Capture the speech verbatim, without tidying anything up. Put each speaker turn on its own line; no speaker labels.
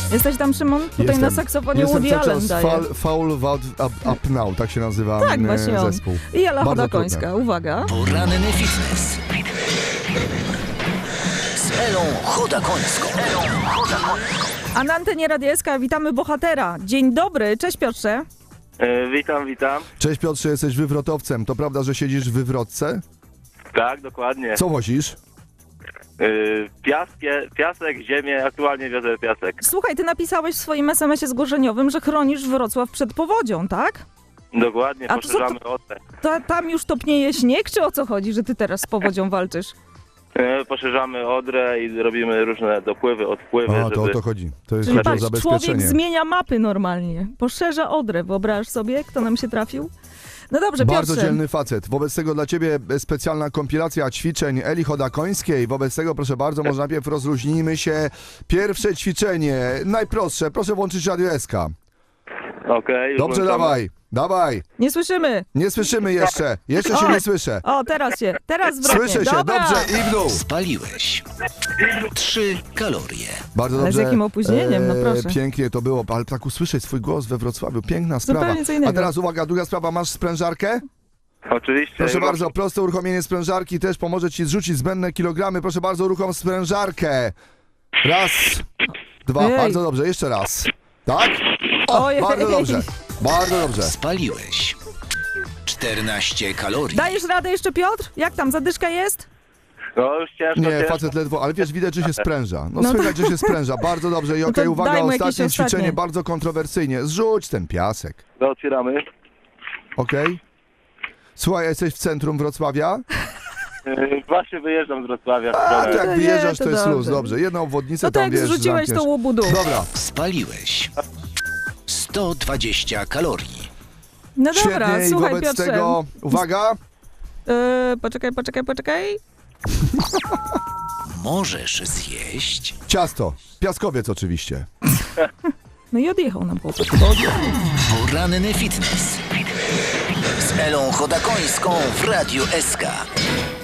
Jesteś tam, Szymon? Tutaj
Jestem.
na saksofonie
Jestem
Woody
cały
Allen
czas
daje.
Fall, Foul Up, up, up Now, tak się nazywa
Tak,
mm,
właśnie on.
zespół.
I Ela
Bardzo
Chodakońska,
trudne.
uwaga.
Poranny fitness. Z Elą Chodakońską. Elą Chodakońską.
A na antenie Radia S K witamy bohatera. Dzień dobry, cześć Piotrze.
E, witam, witam.
Cześć Piotrze, jesteś wywrotowcem. To prawda, że siedzisz w wywrotce?
Tak, dokładnie.
Co wozisz?
E, piaskie, piasek, ziemię, aktualnie wiozę piasek.
Słuchaj, ty napisałeś w swoim es em esie zgłoszeniowym, że chronisz Wrocław przed powodzią, tak?
Dokładnie,
A to co
poszerzamy odrę.
To, tam już topnieje śnieg, czy o co chodzi, że ty teraz z powodzią walczysz?
E, poszerzamy odrę i robimy różne dopływy, odpływy,
A,
żeby...
to o to chodzi. To jest
Czyli
chodzi o
patrz, człowiek
zabezpieczenie.
zmienia mapy normalnie. Poszerza Odrę, wyobrażasz sobie, kto nam się trafił? No dobrze,
Bardzo
Piotrze.
dzielny facet. Wobec tego dla ciebie specjalna kompilacja ćwiczeń Eli Chodakońskiej. Wobec tego, proszę bardzo, może najpierw rozluźnijmy się. Pierwsze ćwiczenie, najprostsze. Proszę włączyć Radio S K.
Okej, już
Dobrze,
włączamy.
dawaj, dawaj.
Nie słyszymy.
Nie słyszymy jeszcze. Jeszcze się
Oj.
nie słyszę.
O, teraz się, teraz zwrotnie.
Słyszę się,
Dobra.
dobrze, i w dół.
Spaliłeś trzy kalorie.
Bardzo
Ale z
dobrze.
jakim opóźnieniem, no proszę.
Pięknie to było, ale tak usłyszeć swój głos we Wrocławiu, piękna sprawa.
Zupełnie co innego.
A teraz uwaga, druga sprawa, masz sprężarkę?
Oczywiście.
Proszę
już
bardzo, proste uruchomienie sprężarki też pomoże ci zrzucić zbędne kilogramy. Proszę bardzo, uruchom sprężarkę. Raz, dwa,
Ej.
bardzo dobrze, jeszcze raz. Tak? O,
Ojej.
bardzo dobrze, bardzo dobrze.
Spaliłeś czternaście kalorii.
Dajesz radę jeszcze, Piotr? Jak tam, zadyszka jest?
No już ciężko,
Nie,
ciężko.
facet ledwo, ale wiesz, widać, że się spręża. No,
No
słychać, że się spręża, bardzo dobrze. I
No
okej,
to
uwaga,
daj mu jakieś
ostatnie ćwiczenie,
ostatnie.
bardzo kontrowersyjnie. Zrzuć ten piasek,
No, otwieramy.
okej? Słuchaj, jesteś w centrum Wrocławia?
E, właśnie wyjeżdżam z Wrocławia. w
A,
stronę-
to jak
nie,
wyjeżdżasz,
to
to jest
dobrze.
luz, dobrze. Jedną obwodnicę
No to
tam,
jak
wiesz,
zrzuciłeś
zamkniesz.
to łubudu.
Dobra,
Spaliłeś sto dwadzieścia kalorii.
No dobra,
świetnie i
słuchaj
wobec
Piotrze.
tego, uwaga,
Yy, poczekaj, poczekaj, poczekaj.
Możesz zjeść
ciasto, piaskowiec oczywiście.
No i odjechał nam chłopak.
poranny fitness. Z Elą Chodakońską w Radiu S K.